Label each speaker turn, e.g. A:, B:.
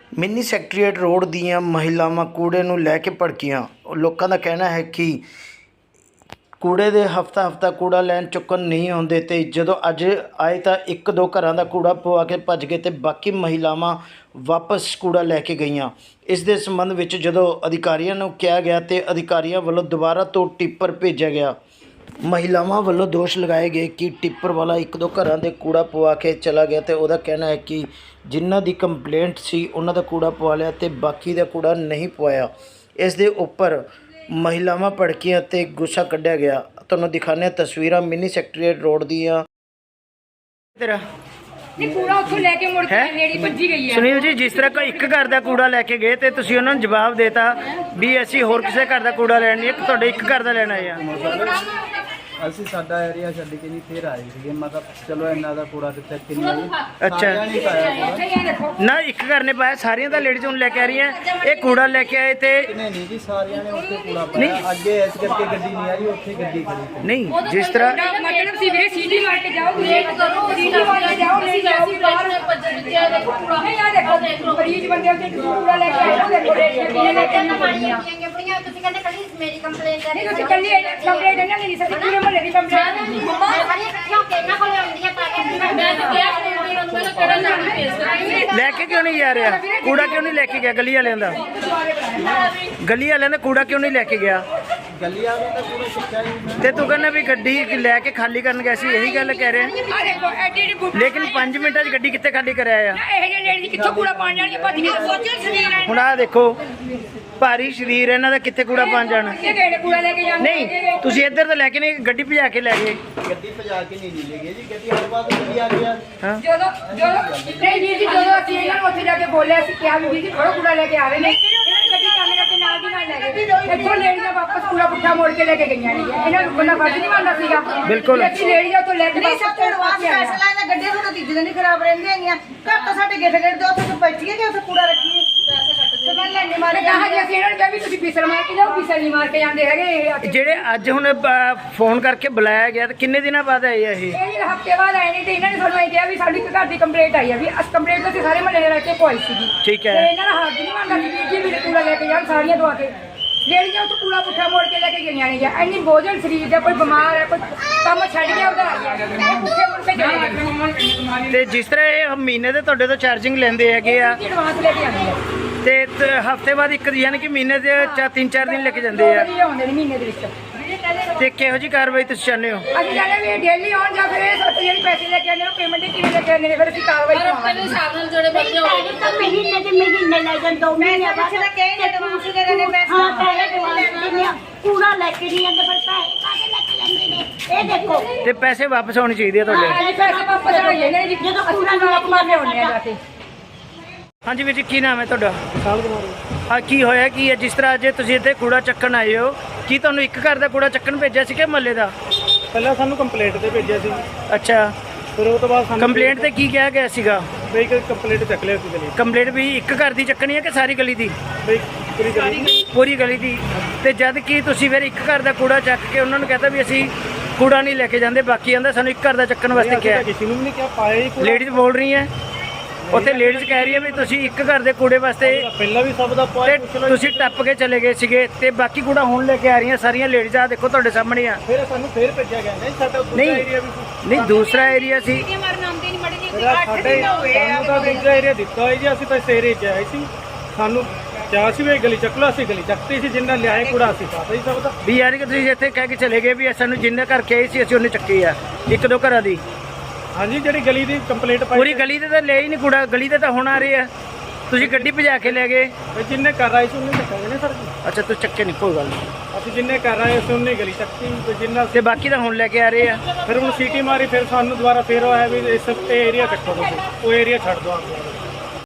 A: Mini secretariat road ਦੀਆਂ ਮਹਿਲਾਵਾਂ ਕੂੜੇ ਨੂੰ ਲੈ ਕੇ ਭੜਕੀਆਂ। ਲੋਕਾਂ ਦਾ ਕਹਿਣਾ ਹੈ ਕਿ ਕੂੜੇ ਦੇ ਹਫ਼ਤਾ ਕੂੜਾ ਲੈਣ ਚੁੱਕਣ ਨਹੀਂ ਆਉਂਦੇ ਅਤੇ ਜਦੋਂ ਅੱਜ ਆਏ ਤਾਂ ਇੱਕ ਦੋ ਘਰਾਂ ਦਾ ਕੂੜਾ ਪਵਾ ਕੇ ਭੱਜ ਗਏ ਅਤੇ ਬਾਕੀ ਮਹਿਲਾਵਾਂ ਵਾਪਸ ਕੂੜਾ ਲੈ ਕੇ ਗਈਆਂ। ਇਸ ਦੇ ਸੰਬੰਧ ਵਿੱਚ ਜਦੋਂ ਅਧਿਕਾਰੀਆਂ ਨੂੰ ਕਿਹਾ ਗਿਆ ਅਤੇ ਅਧਿਕਾਰੀਆਂ ਵੱਲੋਂ ਦੁਬਾਰਾ ਤੋਂ ਟਿੱਪਰ ਭੇਜਿਆ ਗਿਆ। ਮਹਿਲਾਵਾਂ ਵੱਲੋਂ ਦੋਸ਼ ਲਗਾਏ ਗਏ ਕਿ ਟਿੱਪਰ ਵਾਲਾ ਇੱਕ ਦੋ ਘਰਾਂ ਦੇ ਕੂੜਾ ਪਵਾ ਕੇ ਚਲਾ ਗਿਆ ਅਤੇ ਉਹਦਾ ਕਹਿਣਾ ਹੈ ਕਿ ਜਿਨ੍ਹਾਂ ਦੀ ਕੰਪਲੇਂਟ ਸੀ ਉਹਨਾਂ ਦਾ ਕੂੜਾ ਪਵਾ ਲਿਆ ਅਤੇ ਬਾਕੀ ਦਾ ਕੂੜਾ ਨਹੀਂ ਪਵਾਇਆ। ਇਸ ਦੇ ਉੱਪਰ ਮਹਿਲਾਵਾਂ ਭੜਕੀਆਂ ਅਤੇ ਗੁੱਸਾ ਕੱਢਿਆ ਗਿਆ। ਤੁਹਾਨੂੰ ਦਿਖਾਉਂਦੇ ਹਾਂ ਤਸਵੀਰਾਂ ਮਿੰਨੀ ਸੈਕਟਰੀਏਟ ਰੋਡ ਦੀਆਂ। ਤੇਰਾ
B: ਕੂੜਾ ਉੱਥੋਂ ਲੈ ਕੇ ਮੁੜ ਕੇ ਲੇਡੀ ਭੱਜੀ ਗਈ ਹੈ।
A: ਸੁਨੀਲ ਜੀ, ਜਿਸ ਤਰ੍ਹਾਂ ਕੋਈ ਇੱਕ ਘਰ ਦਾ ਕੂੜਾ ਲੈ ਕੇ ਗਏ ਤੇ ਤੁਸੀਂ ਉਹਨਾਂ ਨੂੰ ਜਵਾਬ ਦੇਤਾ ਵੀ ਅਸੀਂ ਹੋਰ ਕਿਸੇ ਘਰ ਦਾ ਕੂੜਾ ਲੈਣ ਨਹੀਂ, ਤੁਹਾਡੇ ਇੱਕ ਘਰ ਦਾ ਲੈਣਾ ਆ।
C: ਅਸੀਂ ਸਾਡਾ ਏਰੀਆ ਛੱਡ ਕੇ ਜੀ ਫਿਰ ਆਏ ਸੀਗੇ। ਮੈਂ ਕਿਹਾ ਚਲੋ ਇਹਨਾਂ ਦਾ ਕੂੜਾ ਤੇ ਚੈੱਕ ਨਹੀਂ ਆਈ।
A: ਅੱਛਾ,
C: ਨਹੀਂ ਪਾਇਆ ਕੂੜਾ।
A: ਨਾ ਇੱਕ ਘਰ ਨੇ ਪਾਇਆ, ਸਾਰੀਆਂ ਦਾ ਲੇਡੀਜ਼ ਹੁਣ ਲੈ ਕੇ ਆ ਰਹੀਆਂ। ਇਹ ਕੂੜਾ ਲੈ ਕੇ ਆਏ ਤੇ
C: ਨਹੀਂ ਜੀ, ਸਾਰਿਆਂ ਨੇ ਉੱਥੇ ਕੂੜਾ ਪਾਇਆ। ਅੱਗੇ ਇਸ ਕਰਕੇ ਗੱਡੀ ਨਹੀਂ ਆਈ, ਉੱਥੇ ਗੱਡੀ ਖੜੀ।
A: ਨਹੀਂ, ਜਿਸ ਤਰ੍ਹਾਂ
B: ਮਤਲਬ ਸੀ ਵੀਰੇ ਸੀਟੀ ਮਾਰ ਕੇ ਜਾਓ, ਲੇਟ ਕਰੋ, ਸੀਟੀ ਮਾਰ ਕੇ ਜਾਓ, ਨਹੀਂ ਜਾਓ ਬਾਹਰ ਬੱਚੇ ਦੇਖੋ ਕੂੜਾ ਨਹੀਂ ਆ। ਦੇਖੋ ਮਰੀਜ਼ ਬੰਦੇ ਉੱਤੇ ਕੂੜਾ ਲੈ ਕੇ ਆਏ, ਦੇਖੋ ਕਿੰਨੇ ਲੈ ਕੇ ਮਾਰੀਆਂ ਬੜੀਆਂ। ਤੁਸੀਂ ਕਹਿੰਦੇ ਕੱਲੀ ਮੇਰੀ ਕੰਪਲੇਂਟ ਹੈ, ਨਹੀਂ ਤੁਸੀਂ ਕੱਲੀ ਕੰਪਲੇਂਟ ਇਹਨਾਂ ਦੀ ਨਹੀਂ ਸਕਦੀ, ਪੂਰੇ ਮਹੱਲੇ ਦੀ ਕੰਪਲੇਂਟ ਮੰਮਾ ਸਾਰੀਆਂ ਇਕੱਠੀਆਂ ਹੋ ਕੇ ਇਹਨਾਂ ਕੋਲ ਆਉਂਦੀਆਂ ਪਾ ਕੇ। ਮੈਂ ਤਾਂ ਕਿਹਾ ਉਹਨੂੰ ਕਿਹੜਾ ਨਾਮ ਭੇਜਦਾ
A: ਲੈ ਕੇ ਕਿਉਂ ਨਹੀਂ ਜਾ ਰਿਹਾ? ਕੂੜਾ ਕਿਉਂ ਨਹੀਂ ਲੈ ਕੇ ਗਿਆ? ਗਲੀ ਵਾਲਿਆਂ ਦਾ ਕੂੜਾ ਕਿਉਂ ਨਹੀਂ ਲੈ ਕੇ ਗਿਆ?
C: ਗਲੀ ਵਾਲੇ ਤਾਂ ਪੂਰਾ ਸਿੱਖਿਆ ਹੀ।
A: ਤੇ ਤੂੰ ਕਹਿੰਦਾ ਵੀ ਗੱਡੀ ਲੈ ਕੇ ਖਾਲੀ ਕਰਨ ਗਿਆ ਸੀ, ਇਹੀ ਗੱਲ ਕਹਿ ਰਿਹਾ।
B: ਆ ਦੇਖੋ ਐਡੀ ਬੁੱਢੀ
A: ਲੇਕਿਨ 5 ਮਿੰਟਾਂ 'ਚ ਗੱਡੀ ਕਿੱਥੇ ਖਾਲੀ ਕਰਿਆ ਆ?
B: ਇਹ ਜਿਹੇ ਲੇਡੀ ਕਿੱਥੋਂ ਕੂੜਾ ਪਾਣ ਜਾਣਗੇ? ਭੱਜ ਕੇ ਸੋਚੋ ਸਰੀਰ ਹੈ
A: ਹੁਣ ਆਹ ਦੇਖੋ, ਭਾਰੀ ਸਰੀਰ ਇਹਨਾਂ ਦਾ, ਕਿੱਥੇ ਕੂੜਾ ਪਾਣ ਜਾਣਾ?
B: ਇਹ ਕਿਹੜੇ ਕੂੜਾ ਲੈ ਕੇ ਜਾਂਦੇ?
A: ਨਹੀਂ, ਤੁਸੀਂ ਇੱਧਰ ਤਾਂ ਲੈ ਕੇ ਨਹੀਂ, ਗੱਡੀ ਭਜਾ ਕੇ ਲੈ ਗਏ।
C: ਗੱਡੀ ਭਜਾ ਕੇ ਨਹੀਂ ਲੈ ਗਏ ਜੀ, ਗੱਡੀ ਹਰ ਵਾਰ ਗੱਡੀ ਆ ਗਿਆ।
A: ਹਾਂ,
B: ਜਦੋਂ ਨਹੀਂ ਵੀਰ ਜੀ, ਜਦੋਂ ਅਸੀਂ ਇਹਨਾਂ ਨੂੰ ਉੱਥੇ ਜਾ ਕੇ ਬੋਲਿਆ ਸੀ ਕਿਹਾ ਵੀ ਵੀਰ ਜੀ ਥੋੜਾ ਕੂੜਾ ਲੈ ਕੇ ਆ ਰਹੇ ਨੇ, ਇਹਨਾਂ ਨੇ ਗੱਡੀ ਕੰਮ ਕਰਕੇ ਨਾਲ ਦੀ ਨਾਲ ਲੈ ਗਏ। ਇੱਥੋਂ ਲੇਡੀਆਂ ਵਾਪਸ ਕੂੜਾ ਪੁੱਠਾ ਮੋੜ ਕੇ ਲੈ ਕੇ ਗਈਆਂ ਨੇ। ਇਹਨਾਂ ਨੂੰ ਬੰਦਾ ਫਰਜ਼ ਨਹੀਂ ਮੰਨਦਾ ਸੀਗਾ।
A: ਬਿਲਕੁਲ।
B: ਅਸੀਂ ਲੇਡੀਆਂ ਤੋਂ ਲੈ ਕੇ
D: ਨਹੀਂ ਸਭ ਤੋਂ ਐਡਵਾਂਸ ਫੈਸਲਾ ਇਹਨਾਂ ਗੱਡੀਆਂ ਤੋਂ ਤੀਜੇ ਦਿਨ ਹੀ ਖਰਾਬ ਰਹਿੰਦੀਆਂ ਹੈਗੀਆਂ। ਘਰ ਤੋਂ ਸਾਡੇ ਗੇਟ ਦੇ ਉੱਥੇ ਤੋਂ ਬੈਠੀਏ ਕਿ ਉੱਥੇ ਕੂੜਾ ਰੱਖੀਏ ਤੇ ਮੈਂ ਲੈਣੇ ਮਾਰੇ
B: ਕਹਾ ਜੀ ਅਸੀਂ ਇਹਨਾਂ ਨੂੰ ਕਿਹਾ ਵੀ ਤੁਸੀਂ ਫਿਸਲ ਮਾਰ ਕੇ ਜਾਓ, ਫਿਸਲ ਨਹੀਂ ਮਾਰ ਕੇ ਜਾਂਦੇ ਹੈਗੇ ਇਹ ਆ ਕੇ।
A: ਜਿਹੜੇ ਅੱਜ ਹੁਣ ਫੋਨ ਕਰਕੇ ਬੁਲਾਇਆ ਗਿਆ, ਤੇ ਕਿੰਨੇ ਦਿਨਾਂ ਬਾਅਦ ਆਏ ਆ ਇਹ?
B: ਇਹ ਹਫ਼ਤੇ ਬਾਅਦ ਆਏ ਨੇ ਤੇ ਇਹਨਾਂ ਨੇ ਸਾਨੂੰ ਇਹ ਕਿਹਾ ਵੀ ਸਾਡੀ ਇੱਕ ਘਰ ਦੀ ਕੰਪਲੇਂਟ ਆਈ ਆ, ਵੀ ਅਸ ਕੰਪਲੇਂਟ ਤੋਂ ਅਸੀਂ ਸਾਰੇ ਮਹੱਲੇ ਦੇ ਰਹਿ ਕੇ ਪਵਾਈ ਸੀਗੀ।
A: ਠੀਕ
B: ਤੇ
A: ਹੈ।
B: ਇਹਨਾਂ ਦਾ ਹੱਥ ਨਹੀਂ ਮੰਨਦਾ ਸੀ ਵੀਰ ਜੀ ਵੀ ਕੂੜਾ ਲੈ ਕੇ ਜਾਣ ਸਾਰੀਆਂ ਦਵਾ ਕੇ। ਲੇਡੀਆਂ ਉੱਥੇ ਕੂੜਾ ਪੁੱਠਾ ਮੋੜ ਕੇ ਲੈ ਕੇ ਗਈਆਂ ਨੇ। ਇੰਨੀ ਬੋਝਲ ਸਰੀਰ ਦਾ, ਕੋਈ ਬਿਮਾਰ ਹੈ, ਕੋਈ ਕੰਮ ਛੱਡ ਗਿਆ ਉਧਰ ਆ ਗਿਆ, ਇਹ ਪੁੱਠੇ ਮੁੜ ਕੇ ਜਾਣਾ।
A: ਤੇ ਜਿਸ ਤਰ੍ਹਾਂ ਇਹ ਮਹੀਨੇ ਦੇ ਤੁਹਾਡੇ ਤੋਂ ਚਾਰਜਿੰਗ ਲੈਂਦੇ ਹੈਗੇ ਆ
B: ਐਡਵਾਂਸ ਲੈ ਕੇ ਆਉਂਦੇ ਆ
A: ਤੇ ਹਫ਼ਤੇ ਬਾਅਦ ਇੱਕ, ਯਾਨੀ ਕਿ ਮਹੀਨੇ ਦੇ 3-4 ਦਿਨ ਲੈ ਕੇ ਜਾਂਦੇ ਆ।
B: ਇਹ ਆਉਂਦੇ ਨੇ ਮਹੀਨੇ ਦੇ ਵਿੱਚ।
A: ਤੇ ਕਿਹੋ ਜਿਹੀ ਕਾਰਵਾਈ ਤੁਸੀਂ ਚਾਹੁੰਦੇ ਹੋ?
B: ਅਸੀਂ ਕਹਿੰਦੇ ਵੀ ਡੇਲੀ ਆਉਣ ਜਾਂ ਫਿਰ ਇਹ ਸੱਤ ਜਿਹੜੀ ਪੈਸੇ ਲੈ ਕੇ ਆਉਂਦੇ ਨੇ ਪੇਮੈਂਟ ਕਿਵੇਂ ਲੈ ਕੇ ਆਉਂਦੇ ਨੇ, ਫਿਰ ਅਸੀਂ ਕਾਰਵਾਈ ਕਰਾਂਗੇ।
D: ਮਹੀਨੇ ਦੇ ਮਹੀਨੇ ਲੈ ਜਾਣ 2 ਮਹੀਨੇ ਬਾਅਦ ਤਾਂ ਕਹੇ ਨੇ ਐਡਵਾਂਸ ਦੇ ਰਹੇ ਨੇ ਪੈਸੇ। ਹਾਂ ਪੈਸੇ ਕੂੜਾ ਲੈ ਕੇ ਨਹੀਂ ਜਾਂਦੇ, ਪਰ ਪੈਸੇ ਕਾਹਦੇ ਲੈ ਕੇ ਜਾਂਦੇ ਨੇ? ਇਹ ਦੇਖੋ
A: ਤੇ ਪੈਸੇ ਵਾਪਸ ਹੋਣੇ ਚਾਹੀਦੇ ਆ ਤੁਹਾਡੇ।
B: ਹਾਂ ਪੈਸੇ ਵਾਪਸ ਆ ਜਾਣੇ ਨੇ ਜੀ, ਜਦੋਂ ਕੂੜਾ ਨੂੰ ਆਪਣਾ ਲਿਆਉਂਦੇ ਆ ਜਾ ਕੇ।
A: ਹਾਂਜੀ ਵੀਰ ਜੀ, ਕੀ ਨਾਮ ਹੈ ਤੁਹਾਡਾ? ਹਾਂ, ਕੀ ਹੋਇਆ ਕੀ ਹੈ? ਜਿਸ ਤਰ੍ਹਾਂ ਅੱਜ ਤੁਸੀਂ ਇੱਥੇ ਕੂੜਾ ਚੱਕਣ ਆਏ ਹੋ, ਕੀ ਤੁਹਾਨੂੰ ਇੱਕ ਘਰ ਦਾ ਕੂੜਾ ਚੱਕਣ ਭੇਜਿਆ ਸੀ ਕਿ ਮਹੱਲੇ ਦਾ?
C: ਪਹਿਲਾਂ ਸਾਨੂੰ ਕੰਪਲੇਂਟ ਤੇ ਭੇਜਿਆ ਸੀ,
A: ਅੱਛਾ,
C: ਫਿਰ ਉਹ ਤੋਂ ਬਾਅਦ ਸਾਨੂੰ
A: ਕੰਪਲੇਂਟ ਤੇ ਕੀ ਕਿਹਾ ਗਿਆ ਸੀਗਾ?
C: ਬਈ ਕੰਪਲੇਂਟ ਚੱਕ ਲਿਆ ਸੀ ਗਲੀ।
A: ਕੰਪਲੇਂਟ ਵੀ ਇੱਕ ਘਰ ਦੀ ਚੱਕਣੀ ਹੈ ਕਿ ਸਾਰੀ ਗਲੀ ਦੀ?
C: ਬਈ ਪੂਰੀ ਗਲੀ।
A: ਪੂਰੀ ਗਲੀ ਦੀ। ਤੇ ਜਦ ਕਿ ਤੁਸੀਂ ਫਿਰ ਇੱਕ ਘਰ ਦਾ ਕੂੜਾ ਚੱਕ ਕੇ ਉਹਨਾਂ ਨੂੰ ਕਹਤਾ ਵੀ ਅਸੀਂ ਕੂੜਾ ਨਹੀਂ ਲੈ ਕੇ ਜਾਂਦੇ, ਬਾਕੀ ਆਂਦਾ ਸਾਨੂੰ ਇੱਕ ਘਰ ਦਾ ਚੱਕਣ ਵਾਸਤੇ ਕਿਹਾ।
C: ਕਿਸੇ ਨੂੰ ਵੀ ਨਹੀਂ ਕਿਹਾ, ਪਾਇਆ ਹੀ ਕੂੜਾ।
A: ਲੇਡੀਜ਼ ਬੋਲ ਰਹੀ ਹੈ ਉੱਥੇ, ਲੇਡੀਜ਼ ਕਹਿ ਰਹੀ ਹੈ ਵੀ ਤੁਸੀਂ ਇੱਕ ਘਰ ਦੇ ਕੂੜੇ ਵਾਸਤੇ
C: ਪਹਿਲਾਂ ਵੀ ਸਭ ਦਾ
A: ਤੇ
C: ਪਾਇਆ।
A: ਤੁਸੀਂ ਟੱਪ ਕੇ ਚਲੇ ਗਏ ਸੀਗੇ ਤੇ ਬਾਕੀ ਕੂੜਾ ਹੁਣ ਲੈ ਕੇ ਆ ਰਹੀਆਂ ਸਾਰੀਆਂ ਲੇਡੀਜ਼। ਆ ਦੇਖੋ ਤੁਹਾਡੇ ਸਾਹਮਣੇ ਆ।
C: ਫਿਰ ਸਾਨੂੰ ਫੇਰ ਭੇਜਿਆ ਗਿਆ। ਨਹੀਂ ਸਾਡਾ ਦੂਜਾ
A: ਨਹੀਂ
C: ਏਰੀਆ ਵੀ ਸੀ।
A: ਨਹੀਂ, ਦੂਸਰਾ ਏਰੀਆ ਸੀ।
C: ਫਿਰ ਸਾਡੇ ਸਾਨੂੰ ਤਾਂ ਦੂਜਾ ਏਰੀਆ ਦਿੱਤਾ ਹੋਇਆ ਜੀ। ਅਸੀਂ ਤਾਂ ਇਸ ਏਰੀਏ 'ਚ ਆਏ ਸੀ, ਸਾਨੂੰ ਕਿਹਾ ਸੀ ਵੀ ਗਲੀ ਚੱਕ ਲਓ। ਅਸੀਂ ਗਲੀ ਚੱਕਤੀ ਸੀ, ਜਿੰਨਾ ਲਿਆਏ ਕੂੜਾ ਅਸੀਂ ਪਾਤਾ ਹੀ ਸਭ ਦਾ।
A: ਵੀ ਯਾਨੀ ਕਿ ਤੁਸੀਂ ਇੱਥੇ ਕਹਿ ਕੇ ਚਲੇ ਗਏ ਵੀ ਸਾਨੂੰ ਜਿੰਨੇ ਘਰ ਕੇ ਆਏ ਸੀ ਅਸੀਂ ਉਹਨੇ ਚੱਕੀ ਆ, ਇੱਕ ਦੋ ਘਰਾਂ ਦੀ।
C: ਹਾਂਜੀ, ਜਿਹੜੀ ਗਲੀ ਦੀ ਕੰਪਲੇਂਟ ਪਾਈ
A: ਪੂਰੀ ਗਲੀ ਤੇ ਤਾਂ ਲੈ ਹੀ ਨਹੀਂ ਕੂੜਾ, ਗਲੀ ਤੇ ਤਾਂ ਹੁਣ ਆ ਰਹੇ ਆ। ਤੁਸੀਂ ਗੱਡੀ ਭਜਾ ਕੇ ਲੈ ਗਏ।
C: ਤੇ ਜਿੰਨੇ ਕਰ ਆਏ ਸੀ ਉਹਨੇ ਚੱਕਾਂਗੇ ਨੇ ਸਰ ਜੀ।
A: ਅੱਛਾ, ਤੁਸੀਂ ਚੱਕੇ ਨਹੀਂ, ਕੋਈ ਗੱਲ ਨਹੀਂ।
C: ਅਸੀਂ ਜਿੰਨੇ ਕਰ ਆਏ ਸੀ ਉਹਨੇ ਗਲੀ ਚੱਕਤੀ, ਤੇ ਜਿੰਨਾ
A: ਤੇ ਬਾਕੀ ਤਾਂ ਹੁਣ ਲੈ ਕੇ ਆ ਰਹੇ ਆ।
C: ਫਿਰ ਹੁਣ ਸੀਟੀ ਮਾਰੀ, ਫਿਰ ਸਾਨੂੰ ਦੁਬਾਰਾ ਫੇਰ ਆਇਆ ਵੀ ਇਸ ਤੇ ਏਰੀਆ ਕੱਟੋ ਤੁਸੀਂ, ਉਹ ਏਰੀਆ ਛੱਡ ਦਿਓ।